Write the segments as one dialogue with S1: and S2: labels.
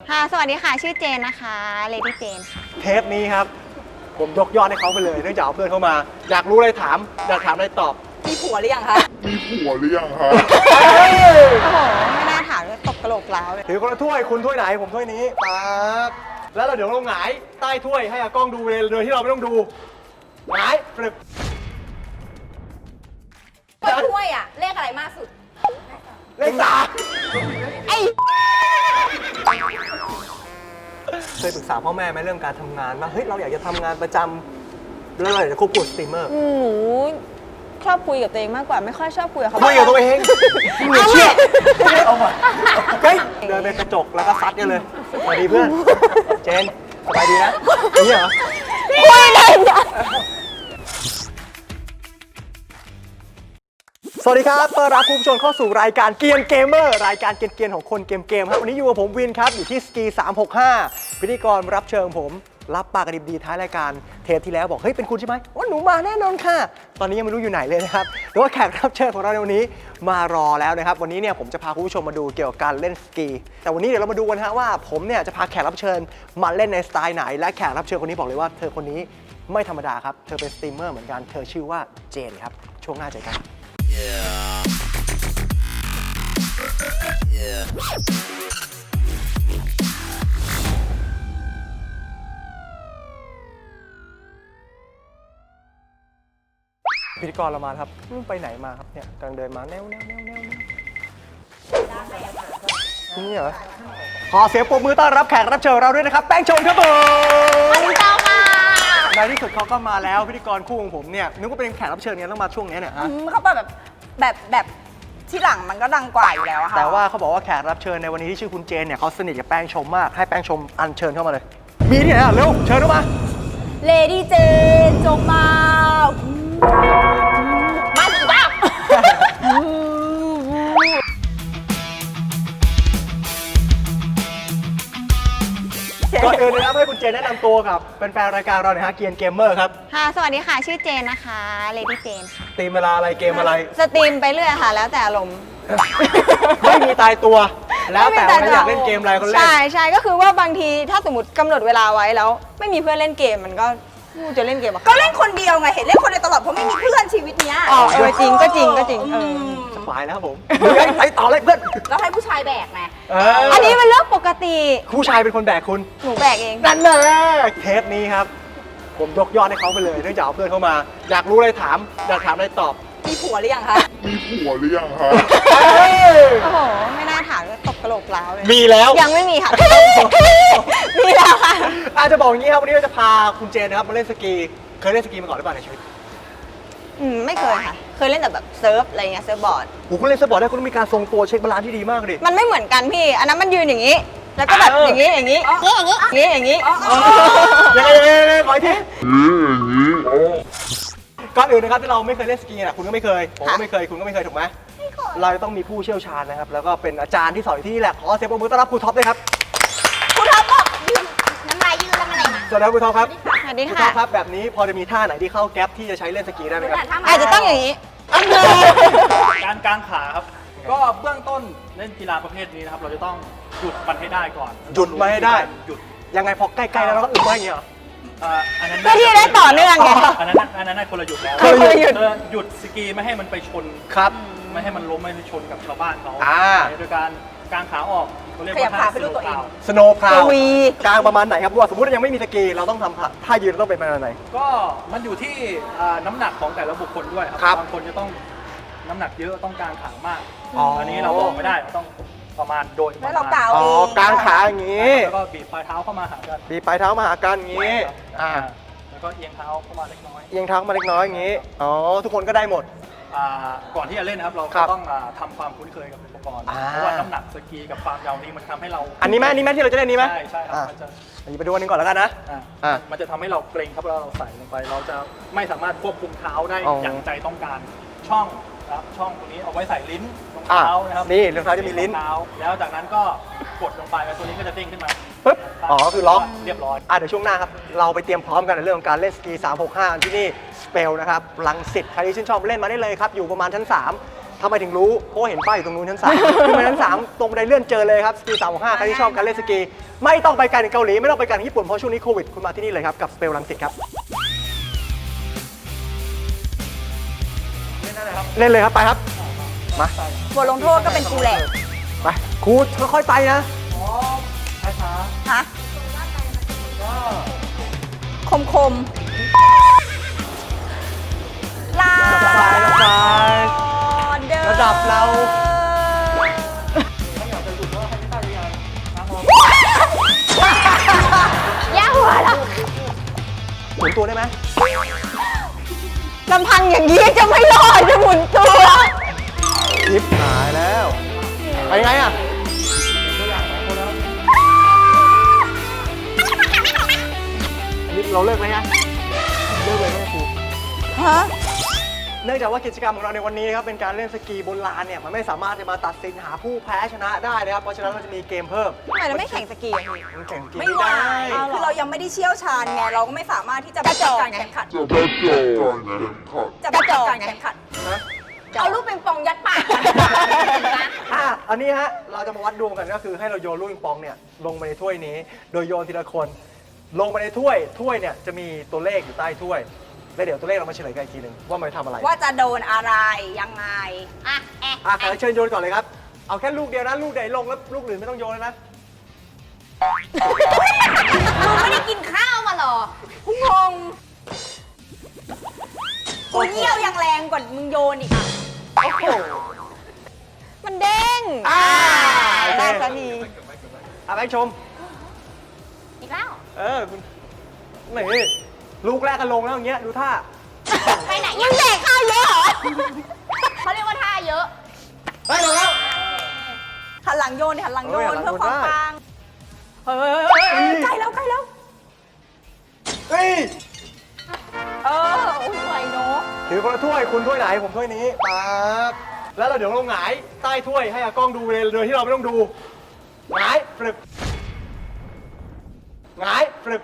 S1: ค่ะสวัสดีค่ะชื่อเจนนะคะเลดี้เจนค่ะ
S2: เทปนี้ครับผมยกยอดให้เขาไปเลยเนื่องจากเอาเพื่อนเข้ามาอยากรู้อะไรถามอยากถามอะไรตอบ
S3: มีผัวหรือยังคะ
S1: โอ้โหไม่น่าถามเลยตกกระโหลกล้าวเลย
S2: ถือคนละถ้วยคุณถ้วยไหนผมถ้วยนี้ปั๊บแล้วเราเดี๋ยวเราหงายใต้ถ้วยให้อากล้องดูเลยโดยที่เราไม่ต้องดูหงายปรึบ
S3: ถ้วยอะเลขอะไรมากสุด
S2: เลขสาม
S1: ไอ้
S2: เคยปรึกษาพ่อแม่ไหมเรื่องการทำงานว่าเฮ้ยเราอยากจะทำงานประจำแล้วเราอยากจะควบคุมสตรีมเมอร์
S4: หนูชอบคุยกับตัวเองมากกว่าไม่ค่อยชอบคุยกับเขา
S2: คุยกับตัวเองมึงอย่าเชื่อเอามาเฮ้ยเดินไปกระจกแล้วก็ซัดกันเลยสวัสดีเพื่อนเจนสบายดีนะนี่เหรอ
S4: คุยได้ยัง
S2: สวัสดีครับต้อนรับคุณผู้ชมเข้าสู่รายการเกียนเกมเมอร์รายการเกียนๆของคนเกมครับวันนี้อยู่กับผมวินครับอยู่ที่สกี365พิธีกรรับเชิญผมรับปากกระดิบดีท้ายรายการเทปที่แล้วบอกเฮ้ยเป็นคุณใช่ไหมว่าหนูมาแน่นอนค่ะตอนนี้ยังไม่รู้อยู่ไหนเลยนะครับแต่ว่าแขกรับเชิญของเราในวันนี้มารอแล้วนะครับวันนี้เนี่ยผมจะพาคุณผู้ชมมาดูเกี่ยวกับการเล่นสกีแต่วันนี้เดี๋ยวเรามาดูกันฮะว่าผมเนี่ยจะพาแขกรับเชิญมาเล่นในสไตล์ไหนและแขกรับเชิญคนนี้บอกเลยว่าเธอคนนี้ไม่ธรรมดาครับเธอเป็นสตรีมเมอร์เหมือนกันเธอชื่อว่าเจนครับช่วงหน้าเจอกันพิธีกรเรามาครับไปไหนมาครับเนี่ยกำลังเดินมาแนวนี่เหรอขอเสียงปรบมือต้อนรับแขกรับเชิญเราด้วยนะครับแป้งชมครับผม
S1: สวัสดีเจ้าค่ะ
S2: ในที่สุดเขาก็มาแล้วพิธีกรคู่ของผมเนี่ยนึกว่าเป็นแขกรับเชิญเนี่ยต้องมาช่วงนี้เนี่ยฮะ
S3: เขาแบบที่หลังมันก็ดังกว่าอยู่แล้วอะค่ะ
S2: แต่ว่าเขาบอกว่าแขกรับเชิญในวันนี้ที่ชื่อคุณเจนเนี่ยเขาสนิทกับแป้งชมมากให้แป้งชมอัญเชิญเข้ามาเลยมีที่ไหนอ่ะเร็วเชิญเข้ามา
S3: เลดี้เจนจงมาสิบ้า
S2: ก่อนอื่นนะครับให้คุณเจนแนะนำตัวกับแฟนๆรายการเราหน่อยฮะเกียนเกมเมอร์ครับ
S1: ค่ะสวัสดีค่ะชื่อเจนนะคะเลดี้เจนค่ะ
S2: ตีมเวลาอะไรเกมอะไร
S1: สตรีมไปเรื่อยค่ะแล้วแต่อารมณ์
S2: ไม่มีตายตัว แล้วแต่วันนั้นอยากเล่นเกมอะไรก็เล่น
S1: ใช่ก็คือว่าบางทีถ้าสมมติกำหนดเวลาไว้แล้ว ไม่มีเพื่อนเล่นเกมมันก็กูจะเล่นเกมกับ
S3: ก็เล่นคนเดียวไง เห็นเล่นคนเดียวตลอดเพราะไม่มีเพื่อนชีวิตเนี้ย
S1: จริงก็จริง
S2: สบายแล้วครับผมไปต่อเลยเพื่อน
S3: แล้วให้ผู้ชายแบกไง
S1: อันนี้มันเรื่องปกติ
S2: ผู้ชายเป็นคนแบกคุณ
S1: หนูแบกเอง
S2: นั่นแหละเทปนี้ครับผมยกยอดให้เขาไปเลยเนื่องจากเอาเพื่อนเข้ามาอยากรู้อะไรถามอยากถามอะไรตอบ
S3: มีผัวหรือยังคะ
S1: โอ้โหไม่น่าถามเลยตกกระโหลกล้าวเลย
S2: มีแล้ว
S1: ยังไม่มีค่ะ มีแล้วค่ะ
S2: อาจจะบอกอย่างนี้ครับวันนี้เราจะพาคุณเจนนะครับมาเล่นสกีเคยเล่นสกีมาก่อนหรือเปล่าในชีวิต
S1: ไม่เคยค่ะ เคยเล่นแต่แบบเซิร์ฟอะไรเงี้ยเซิร์ฟบอร์ด
S2: โอ้คุณเล่นสปอร์ตได้คุณต้องมีการทรงตัวเช็คบาลานซ์ที่ดีมากเลย
S1: มันไม่เหมือนกันพี่ อันนั้นมันยืนอย่างนี้ แล้วก็แบบอย่างนี้อย่างนี้อย่างนี้
S2: ยังไงขออีกทีก่อนอื่นนะครับที่เราไม่เคยเล่นสกีนะคุณก็ไม่เคยผมก็ไม่เคยคุณก็ไม่เคยถูกไหมเราจะต้องมีผู้เชี่ยวชาญนะครับแล้วก็เป็นอาจารย์ที่สอนอยู่ที่นี่แหละขอเสียงปรบมือต้อนรับครูท็อปด้วยครับ
S3: คุณท็อปบอกยืนน้ำลายยืนแล้วอะไรนะ
S2: สวัสดีครับครูท็อปครับ
S1: สวัสดี
S2: ครู
S1: ค่ะ
S2: ท็อปครับแบบนี้พอจะมีท่าไหนที่เข้าแก๊ปที่จะใช้เล่นสกีได้ไหมครับ
S1: อาจจะต้องอย่างนี้
S5: การกางขาครับ ก็เบื้องต้นเล่นกีฬาประเภทนี้นะครับ เราจะต้องหยุดมันให้ได้ก่อน
S2: หยุดมาให้ได้
S5: หยุด
S2: ยังไงพอใกล้ๆแล้วเราก็อึไว้อย่างเงี้ยเหรอ
S5: อันนั้น
S1: เพื่อที่จะได้ต่อเนื่องไง
S5: อันนั้นคนละหยุดแล้ว
S2: คนละหยุด
S5: หยุดสกีไม่ให้มันไปชน
S2: ครับ
S5: ไม่ให้มันล้มไม่ให้ชนกับชาวบ้านเขา
S2: อ่า
S5: โดยการกางขาออกเขาเรียก
S3: ขยับ
S5: ว่า
S3: ขา
S5: ท่า
S3: ไปดูตัวเอง
S2: สโนว์พาว
S1: กวี
S2: กลางประมาณไหนครับว่าสมมติยังไม่มีสกีเราต้องทำท่ายืนต้องเป็นประมาณไหน
S5: ก็มันอยู่ที่น้ำหนักของแต่ละบุคคลด้วยค
S2: ครั
S5: รับ บางคนจะต้องน้ำหนักเยอะต้องกางขามาก
S2: อ๋ออั
S5: อันนี้เราบอกไม่ได้เราต้องประมาณโดยประ
S3: แล้ว
S5: มาณ
S3: เรากาว
S2: อ๋อ
S3: เอง
S2: กลางขาอย่างงี้
S5: แล้วก็บีบปลายเท้าเข้ามาหากัน
S2: บีบปลายเท้ามาหากันอย่างงี้อ่า
S5: แล้วก็เอียงเท้าเข้ามาเล็กน้อย
S2: เอียงเท้ามาเล็กน้อยอย่างงี้อ๋อทุกคนก็ได้หมด
S5: ก่อนที่จะเล่นนะครับเรา
S2: ครั
S5: ก็
S2: บ
S5: ต้องทำความคุ้นเคยกับอุปกรณ์
S2: อ่า
S5: เพราะว่าน้ำหนักสกีกับความยาวนี้มันทำให้เรา
S2: อันนี้ไหมอันนี้ไหมที่เราจะเล่นนี้ไหม
S5: ใช่ครับ
S2: อ่า
S5: มันจะ
S2: อันนี้ไปดูอันนึงก่อนแล้วกันนะ อ่า
S5: มันจะทำให้เราเกรงครับเวลาเราใส่ลงไป เราจะไม่สามารถควบคุมเท้าได้
S2: อ๋อ
S5: อ
S2: อย่าง
S5: ใจต้องการช่องนะครับช่องตรงนี้เอาไว้ใส่ลิ้นรอง
S2: อ่า
S5: เท้านะครับ
S2: นี่รองเท้าจะมีลิ้น
S5: รองเท้าแล้วจากนั้นก็กดลงไปแล้วตัวนี้ก็จะเด้งขึ้นมา
S2: ปึ๊บอ๋อคือล็อก
S5: เรียบร้อย
S2: เดี๋ยวช่วงหน้าครับ เราไปเตรียมพร้อมกันในเรื่องของการเล่นสกี 365 ที่นี่สเปลนะครับรังสิตใครที่ชื่นชอบเล่นมาได้เลยครับ อยู่ประมาณชั้น 3 ทำไมถึงรู้เพราะว่าเห็นป้ายอยู่ตรงนู้นชั้น 3 ขึ้นมาชั้น 3 ตรงบันไดเลื่อนเจอเลยครับสกี365ใครที่ชอบการเล่นสกีไม่ต้องไปไกลถึงเกาหลีไม่ต้องไปไกลถึงญี่ปุ่นเพราะช่วงนี้โควิดคุณมาที่นี่เลยครับกับสเปลรังสิตครับเล่นเลยครับไปครับมา
S3: บทลงโทษก็เป็นกูแหละ
S2: ไปครูค่อยๆไปนะ
S3: ฮะคมคมลา
S2: ระบาย
S3: เดิน
S2: ระดับเรา
S1: ย่าหัวละ
S2: หมุนตัวได้ไหม
S1: ลำพังอย่างนี้จะไม่รอดจะหมุนตัว
S2: ยิบหายแล้วไปไงอ่ะนี่เราเลิกไหมฮะเลิกเลยไหมครู
S3: ฮะ
S2: เนื่องจากว่ากิจกรรมของเราในวันนี้นะครับเป็นการเล่นสกีบนลานเนี่ยมันไม่สามารถจะมาตัดสินหาผู้แพ้ชนะได้นะครับเพราะฉะนั้นเราจะมีเกมเพิ่ม
S1: ทำไมเราไม่แข่งสกีอะพี่
S2: มันแข่งสกี
S3: ไม่
S2: ไม่
S3: ไหว
S2: ได้
S3: คือเรายังไม่ได้เชี่ยวชาญไงเราก็ไม่สามารถที่จะไปจัดการแข่งขันจะไปจัดการแข่งขัน
S2: นะ
S3: เอาลูกปิงปองยัดปากมันนะ
S2: อันนี้ฮะเราจะมาวัดดวงกันก็คือให้เราโยนลูกปิงปองเนี่ยลงไปในถ้วยนี้ โดยโยนทีละคนลงไปในถ้วยเนี่ยจะมีตัวเลขอยู่ใต้ถ้วยแล้วเดี๋ยวตัวเลขเรามาเฉลยกันอีกทีหนึ่งว่ามันทำอะไร
S3: ว่าจะโดนอะไรยังไงอ่ะแอะ
S2: ขอเชิญโยนก่อนเลยครับ เอาแค่ลูกเดียวนะ ลูกไหนลงแล้วลูกอื่นไม่ต้องโยนแล้วนะ
S3: มึงไม่ได้กินข้าวมาหรอกูงงกูเยี่ยวยังแรงกว่ามึงโยนอีกอ่ะ
S2: โอ้โห
S1: มันเด้ง ได้สักที
S2: ไปชม
S3: อีกแล้ว
S2: คุณนี่ลูกแรกก็ลงแล้วอย่างเงี้ยดูท่า
S3: ไปไหน
S1: ยังแดกข้าวเยอะเหรอ
S3: เขาเรียกว่าท่าเยอะ
S2: ไปลงแล้ว
S3: หันหลังโยนดิหันหลังโยน
S2: เออหันหลัง
S3: เพื่อความ
S2: โยนได้
S3: ปังเฮ้ยใกล้แล้วใกล้แล้ว
S2: เฮ้ย
S3: โอ้ยไหวเนาะ
S2: ถือคนละถ้วยคุณถ้วยไหนผมถ้วยนี้ปั๊บแล้วเราเดี๋ยวเราหงายใต้ถ้วยให้อากล้องดูเลยโดยที่เราไม่ต้องดูหงายฟลึบหงายฟลึบ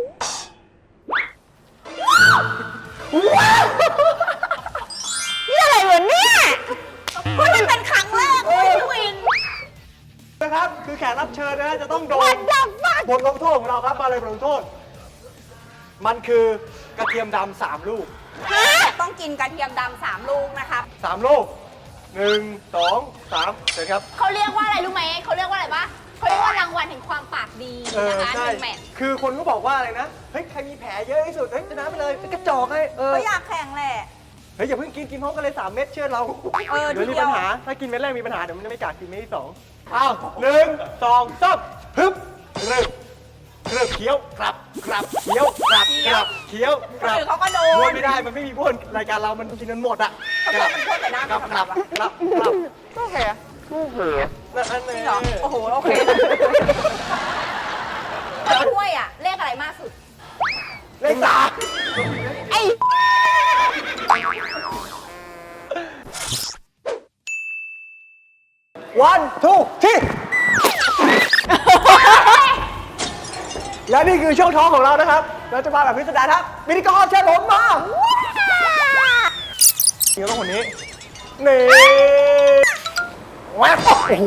S1: นี่อะไรเหมือนเนี่ย
S3: มันเป็นครั้งแรกเลยพี่วิน
S2: นะครับคือแขกรับเชิญนะจะต้องโดน
S1: What the fuck
S2: บทลงโทษของเราครับมาเลยบทลงโทษ มันคือกระเทียมดำ3 ลูก
S3: ต้องกินกระเทียมดำ3 ลูกนะครับ
S2: 3 ลูก 1 2 3เสร็จครับ
S6: เขาเรียกว่าอะไรรู้ไหม เขาเรียกว่าอะไรปะเขาเรียกว่ารางวัลแห่งความปากดีนะคะ
S2: ใช่
S6: 1 แมตช์
S2: คือคนก็บอกว่าอะไรนะ เฮ้ย ใครมีแผลเยอะที่สุด เฮ้ยชนะไปเลยเป็นกระจอกให้
S3: ก็อยากแข่งแหละ
S2: เฮ้ย อย่าเพิ่งกินพร้อมกันเลย 3 เม็ดเชื่อเรา เดี๋ยวมีปัญหา ถ้ากินเม็ดแรกมีปัญหา เดี๋ยวมันจะไม่กล้ากินเม็ดที่ 2 อ้าว 1 2 3ฮึบเริ่มเคี้ยวกลับเคี้ยวกลับเคี้ยวกลับ
S3: คนอื่นเขาก็โดน
S2: โดนไม่ได้ มันไม่มีพวกรายการเรามันกินมันหมดอ่ะ
S3: ทำไมมันโทษแต่หน้า
S2: กลับ
S3: ไม่ทำอะ
S1: โอเคอะ
S2: นั่นเอง
S3: เหรอโอ้โห โอเคถ้วยอ่ะ เลขอะไรมากสุด
S2: เลข
S1: ไอ้
S2: 3 1 2 3 และนี่คือช่วงท้องของเรานะครับ เราจะมาแบบพิสดารครับพิธีกรเชิญผมมาเดี๋ยวต้องคนนี้นี่แว๊บโอ้โห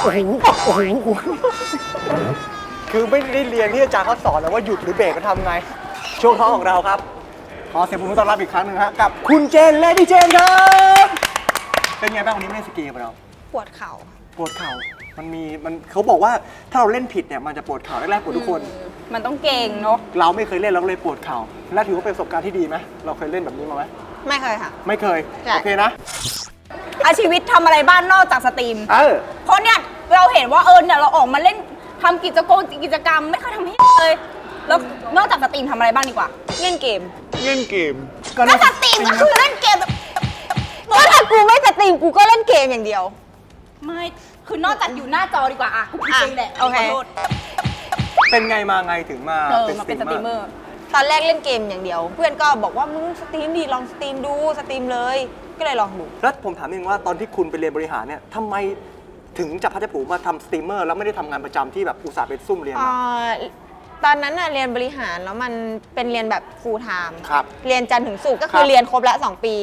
S2: คือไม่ได้เรียนที่อาจารย์เขาสอนแล้วว่าหยุดหรือเบรกก็ทำไง ช่วงท้องของเราครับ ขอเสียงปรบมือต้อนรับอีกครั้งหนึ่งฮะกับคุณเจนเลดี้เจนครับ เป็นไงบ้างวันนี้ไม่ได้สกีกับเรา
S1: ปวดเข่า
S2: ปวดเข่ามันเขาบอกว่าถ้าเราเล่นผิดเนี่ยมันจะปวดเข่าแรกๆปวดทุกคน
S3: มันต้องเก่งเนาะ
S2: เราไม่เคยเล่นเราก็เลยปวดเข่าและถือว่าเป็นประสบการณ์ที่ดีไหมเราเคยเล่นแบบนี้มาไหม
S1: ไม่เคยค่ะ
S2: ไม่เคย
S1: ใช่
S2: โอเคนะ
S3: ชีวิตทำอะไรบ้านนอกจากสตรีม เพราะเนี่ยเราเห็นว่าเนี่ยเราออกมาเล่นทำกิจกรรมไม่เคยทำให้เลย แล้วนอกจากสตรีมทำอะไรบ้างดีกว่า
S1: เล่นเกม
S3: ก็สตรีมก็คือเล่นเกมแบบ
S1: ก็ถ้ากูไม่สตรีมกูก็เล่นเกมอย่างเดียว
S3: ไม่ คือนอกจากอยู่หน้าจอดีกว่าอ่ะกูผิดเองแหละ
S1: โอเค
S3: ขอโทษ
S2: เป็นไงมาไงถึงมา
S3: มาเป็นสตรีมเมอร์
S1: ตอนแรกเล่นเกมอย่างเดียว เพื่อนก็บอกว่ามึงสตรีมดีลองสตรีมดูสตรีมเลย ก็เลยลองดู
S2: แล้วผมถามนิดนึงว่าตอนที่คุณไปเรียนบริหารเนี่ยทำไมถึงจับพัดจับผูมาทำสตรีมเมอร์แล้วไม่ได้ทำงานประจำที่แบบอุตส่าห์ไปซุ่มเรียนมา
S1: ตอนนั้นน่ะเรียนบริหารแล้วมันเป็นเรียนแบบ full time
S2: ครับ
S1: เรียนจันทร์ถึงศุกร์ก็คื
S2: ครั
S1: อบ เรียนครบละ2 ปี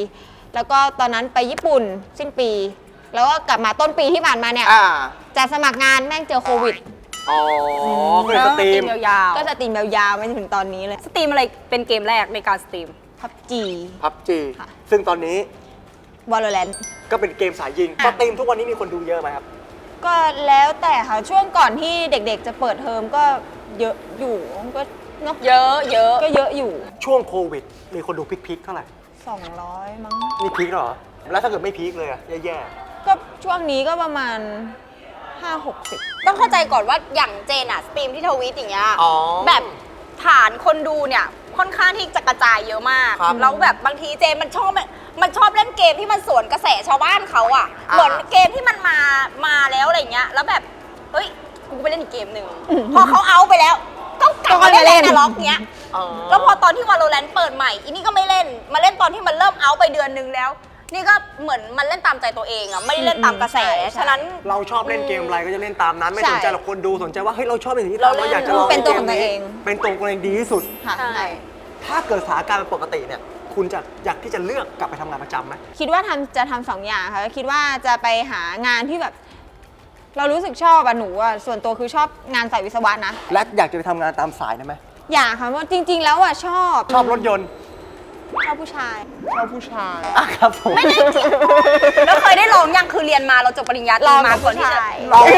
S1: แล้วก็ตอนนั้นไปญี่ปุ่นสิ้นปี แล้วก็กลับมาต้นปีที่ผ่านมาเนี่ย จะสมัครงานแม่งเจอโควิด
S2: อ๋อก็เลยสตรีม
S3: ยาว
S1: ก็จะสตรีมยาวๆไปถึงตอนนี้เลย
S3: ๆสตรีมอะไรเป็นเกมแรกในการสตรีม
S1: PUBG
S2: พับจี
S1: ค่ะ
S2: ซึ่งตอนนี้
S1: Valorant
S2: ก็เป็นเกมสายยิงสตรีมทุกวันนี้มีคนดูเยอะไหมครับ
S1: ก็แล้วแต่ค่ะ ช่วงก่อนที่เด็กๆจะเปิดเทอมก็เยอะอยู่ก็เนาะ
S3: เยอะเยอะ
S1: ก็เยอะอยู่
S2: ช่วงโควิด มีคนดูพีคๆเท่าไหร่
S1: 200 มั้ง
S2: นี่พีคเหรอ แล้วถ้าเกิดไม่พีคเลยอะแย่
S1: ก็ช่วงนี้ก็ประมาณ 5-60
S3: ต้องเข้าใจก่อนว่าอย่างเจนอะสตรีมที่ทวิตอย่างเงี้ย
S2: ๆอ๋อ
S3: แบบฐานคนดูเนี่ยค่อนข้างที่จะกระจายเยอะมาก
S2: ครับ
S3: แล้วแบบบางทีเจนมันชอบเล่นเกมที่มันสวนกระแสชาวบ้านเขาอะ
S2: อ่า
S3: เหมือนเกมที่มันมาแล้วอะไรเงี้ยแล้วแบบเฮ้ยกูไปเล่นอีกเกมหนึ่งพอเขาเอาไปแล้วก็กลับมาเล่นแอนล็อกเงี้ย
S2: อ๋อ
S3: แล้วพอตอนที่ Valorant เปิดใหม่อีนี่ก็ไม่เล่นมาเล่นตอนที่มันเริ่มเอาไปเดือนนึงแล้ว นี่ก็เหมือนมันเล่นตามใจตัวเองอะไม่ได้เล่นตามกระแส
S1: ใช่
S3: ฉะนั้น
S2: เราชอบเล่นเกมอะไรก็จะเล่นตามนั้น ไม่
S1: ใช่
S2: สนใจหรอกคนดูสนใจว่าเฮ้ยเราชอบในสิ่งที่
S3: เรา
S2: ทำ
S3: เล่น
S2: เราอยากจะลอง
S1: เป็นตัวของตัวเอง
S2: เป็นตัวของตัวเองดีที่สุด
S1: ค่ะ
S3: ใช่
S2: ถ้าเกิดสถานการณ์เป็นปกติเนี่ยคุณจะอยากที่จะเลือกกลับไปทำงานประจำไหม
S1: คิดว่าจะทำสองอย่างค่ะคิดว่าจะไปหางานที่แบบ เรารู้สึกชอบอะหนูอะส่วนตัวคือชอบงานสายวิศวะนะ
S2: และอยากจะไปทำงานตามสายได้ไหม
S1: อยากค่ะเพราะจริง ๆ แล้วอะชอบ
S2: ชอบรถยนต์
S1: ชอบผู้ชาย
S2: อ่ะครับผม
S3: แล้วเคยได้ลองยังคือเรียนมาเราจบปริญญาตรีมาก่อนที่จะ
S2: ลอง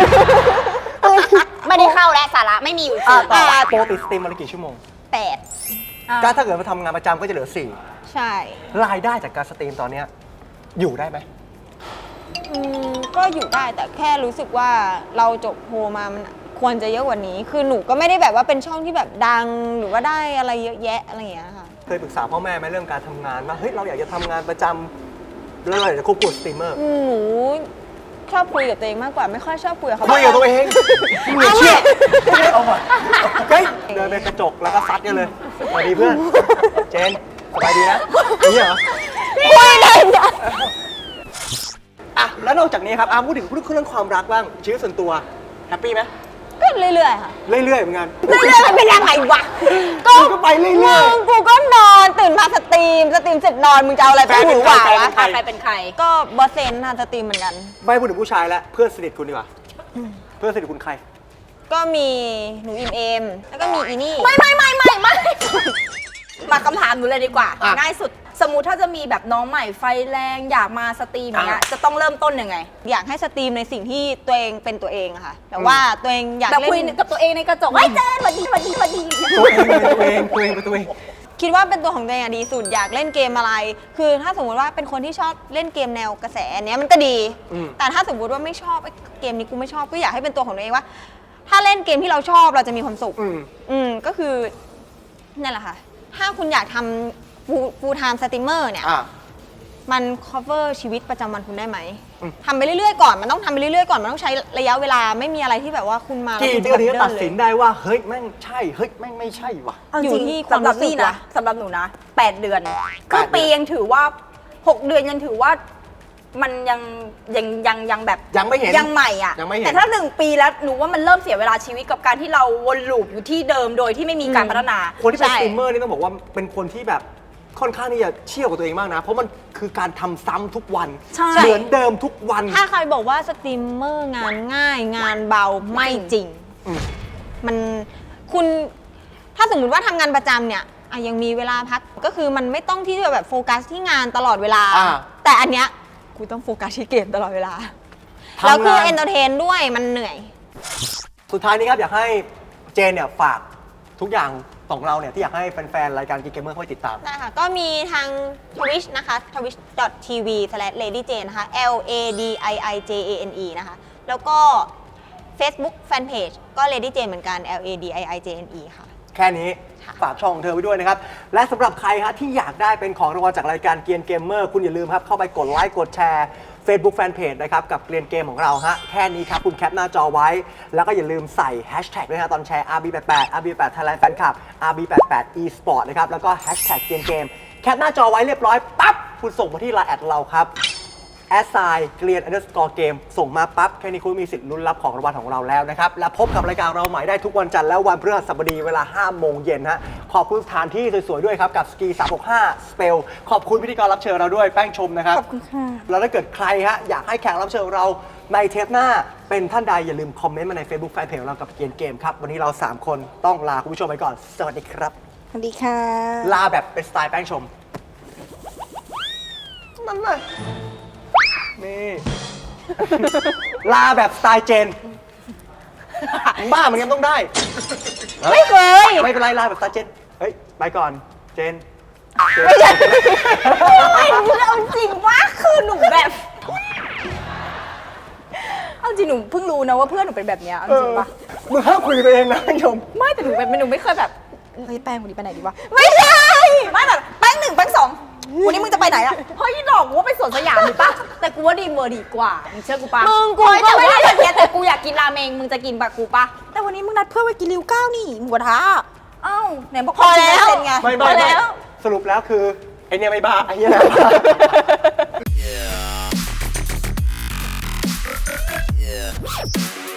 S3: ไม่ได้เข้าและสาระไม่มีอยู่จริง
S2: ปกติสตรีมวันละกี่ชั่วโมง
S1: 8
S2: ก็ถ้าเกิดมาทำงานประจำก็จะเหลือ
S1: ใช่
S2: 4 รายได้จากการสตรีมตอนเนี้ยอยู่ได้ไหม
S1: ก็อยู่ได้แต่แค่รู้สึกว่าเราจบโฮมามันควรจะเยอะกว่านี้ คือหนูก็ไม่ได้แบบว่าเป็นช่องที่แบบดังหรือว่าได้อะไรเยอะแยะอะไรอย่างเงี้ยค่ะ
S2: เคยปรึกษาพ่อแม่ไหมเรื่องการทำงานว่าเฮ้ยเราอยากจะทำงานประจำแล้วเราอยากจะควบคุมสตรีมเมอร์
S1: หนูชอบคุยกับตัวเองมากกว่าไม่ค่อยชอบคุยกับเขา
S2: คุยกับตัวเองมึงเชื่อเอามาเฮ้ยเดินไปกระจกแล้วก็ซัดกันเลยสวัสดีเพื่อน เจนสบายดีนะนี่เหรอ
S1: คุยได้เนี่ย
S2: อ่ะแล้วนอกจากนี้ครับพูดถึงเรื่องความรักบ้างชีวิตส่วนตัวแฮปปี้ไหม
S1: ก็เรื่อยๆค่ะ
S2: เรื่อยๆเหมือนกัน
S1: เรื่อยๆมันเป็นยังไงวะ
S2: มึงก็ไปเรื่อย
S1: มึงกูก็นอนตื่นมาสตรีมเสร็จนอนมึงจะเอาอะไรไปหูหวาวะ
S2: ใคร
S3: ใครเป็นใคร
S1: ก็บอสเซนค่ะสตรีมเหมือนกัน
S2: ไม่พูดถึงผู้ชายแล้วเพื่อนสนิทคุณดีกว่าเพื่อนสนิทคุณใคร
S1: ก็มีหนูอิมเอมแล้วก็มีอีนี่
S3: ไม่มาคำถามหนูเลยดีกว่า
S2: อ่ะ
S3: ง่ายสุดสมมุติถ้าจะมีแบบน้องใหม่ไฟแรงอยากมาสตรีมเนี้ย
S2: อ่ะ
S3: จะต้องเริ่มต้นยังไง
S1: อยากให้สตรีมในสิ่งที่ตัวเองเป็นตัวเองอะค่ะ แต่ว่าตัวเองอยาก
S3: แบบ
S1: เล่
S3: คุย
S1: น
S3: กับตัวเองในกระจกไอ้ยเจนสวัสดี
S2: ตัวเองเป็นตัวเองเป็นตัวเอง
S1: คิดว่าเป็นตัวของตัวเองอะดีสุดอยากเล่นเกมอะไร คือถ้าสมมติว่าเป็นคนที่ชอบเล่นเกมแนวกระแสอันเนี้ยมันก็ดี แต่ถ้าสมมติว่าไม่ชอบไอ้เกมนี้กูไม่ชอบก็อยากให้เป็นตัวของตัวเองว่า ถ้าเล่นเกมที่เราชอบเราจะมีความสุข ก็คือนั่นแหละค่ะ ถ้าคุณอยากทำfull time streamer เนี่ย มัน cover ชีวิตประจำวันคุณได้ไหมทำไปเรื่อยๆก่อนมันต้องทำไปเรื่อยๆก่อนมันต้องใช้ระยะเวลาไม่มีอะไรที่แบบว่าคุณมาแล้ว
S2: กี่
S1: คุณ
S2: เดือนถึงจะ
S1: ดิ
S2: ตัดสิน
S1: เลย
S2: ได้ว่าเฮ้ยแม่งใช่เฮ้ยแม่งไม่ใช่ว่ะ
S1: อยู่ที่ความ
S3: สำหรับ
S1: รู้สึก
S3: นี่นะ
S1: ว่ะ
S3: สำหรับหนูนะ8 เดือนครึ่งปียังถือว่า 6 เดือนยังถือว่ามันยังแบบ
S2: ยังไม่เห็น
S3: ยังใหม่อ่ะ
S2: ยังไม่เห็น
S3: แต่ถ้า1 ปีแล้วหนูว่ามันเริ่มเสียเวลาชีวิตกับการที่เราวนลูปอยู่ที่เดิมโดยที่ไม่มีการพัฒนา
S2: คนที่เป็น
S1: ใช่
S2: สตรีมเมอร์นี่ต้องบอกว่าเป็นคนที่แบบค่อนข้างที่จะเชี่ยวกับตัวเองมากนะ เพราะมันคือการทำซ้ำทุกวัน
S3: ใช่
S2: เหมือนเดิมทุกวัน
S1: ถ้าใครบอกว่าสตรีมเมอร์งานง่ายงานเบาไม่จริง
S2: อืม
S1: มันคุณถ้าสมมุติว่าทำงานประจำเนี่ยยังมีเวลาพักก็คือมันไม่ต้องที่จะแบบโฟกัสที่งานตลอดเวลา แต่อันเนี้ยกูต้องโฟกัสที่เกมตลอดเวลา แล้วคือเอนเตอร์เทนด้วยมันเหนื่อย
S2: สุดท้ายนี้ครับอยากให้เจนเนี่ยฝากทุกอย่างของเราเนี่ยที่อยากให้แฟนๆรายการGeek Gamerเข้าไปติดตาม
S1: ได้ค่ะ ก็มีทาง Twitch นะคะ twitch.tv/ladyjane นะคะ LADIIJANE นะคะ แล้วก็ Facebook Fanpage ก็ Lady Jane เหมือนกัน LADIIJANE ค่ะ
S2: แค่นี้ฝากช่องของเธอไว้ด้วยนะครับ และสำหรับใครฮะที่อยากได้เป็นของรางวัลจากรายการเกียนเกมเมอร์คุณอย่าลืมครับเข้าไปกดไลค์กดแชร์ Facebook Fanpage นะครับกับเกรียนเกมของเราฮะแค่นี้ครับคุณแคปหน้าจอไว้ แล้วก็อย่าลืมใส่แฮชแท็กด้วยนะตอนแชร์ RB88 RB88 Thailand Fan Club RB88 eSport นะครับแล้วก็แฮชแท็กเกรียนเกมแคปหน้าจอไว้เรียบร้อยปั๊บคุณส่งมาที่ไลน์แอดเราครับเกลียน_เกมส่งมาปั๊บแค่นี้คุณมีสิทธิ์ลุ้นรับของรางวัลของเราแล้วนะครับ และพบกับรายการเราใหม่ได้ทุกวันจันทร์และวันพฤหัสบดีเวลา 5 โมงเย็นฮะขอบคุณสถานที่สวยๆด้วยครับ กับสกี365 Spell ขอบคุณพิธีกรรับเชิญเราด้วยแป้งชมนะครับ
S1: ขอบคุณค่ะ
S2: แล้วถ้าเกิดใครฮะอยากให้แขกรับเชิญของเราในเทปหน้าเป็นท่านใดอย่าลืมคอมเมนต์มาใน Facebook Fanpage ของเรากับเกียนเกมครับวันนี้เรา3คนต้องลาคุณผู้ชมไปก่อนสวัสดีครับ
S1: สวัสดีค่ะ
S2: ลาแบบเป็นสไตล์แป้งชมนั่นน่ะนี่ ลาแบบสไตล์เจนบ้ามันยังต้องได้
S1: ไม่เคย
S2: ไม่เป็นไรลาแบบสไตล์เจนเฮ้ยไปก่อนเจน
S1: ไม่ใช่
S3: ไม่เอาจริงว่าคือหนูแบบเอาจริงหนูเพิ่งรู้นะว่าเพื่อนหนูเป็นแบบเนี้ยเอาจริงปะ
S2: มึงห้ามคุยกับตัวเองนะแป้งชม
S3: ไม่แต่หนูแบบหนูไม่เคยแบบเฮ้ยแป้งวันนี้ไปไหนดีวะ
S1: ไม่ใช่
S3: ไม่แบบแป้ง1แป้ง2วันนี้มึงจะไปไหนอะเฮ้ยดอกกูว่าไปสวนสยามดีปะแต่กูว่าดีเวอร์ดีกว่ามึงเชื่อกูปะ
S1: มึงกู
S3: เฮ้ย
S1: ก็
S3: แต่ไม่
S1: ว่า
S3: ได้แบบเนี้ยแต่กูอยากกินราเมงมึงจะกินปะกูปะแต่วันนี้มึงนัดเพื่อนไปกินริว9นี่หมูกระทะเอ้าไหนบอก
S1: พอแล้ว
S3: เป็นไง
S2: ไม่
S3: พอแล้ว
S2: สรุปแล้วคือไอเนี่ยไม่บ้าไอเนี่ยแหละบ้า
S7: Yeah.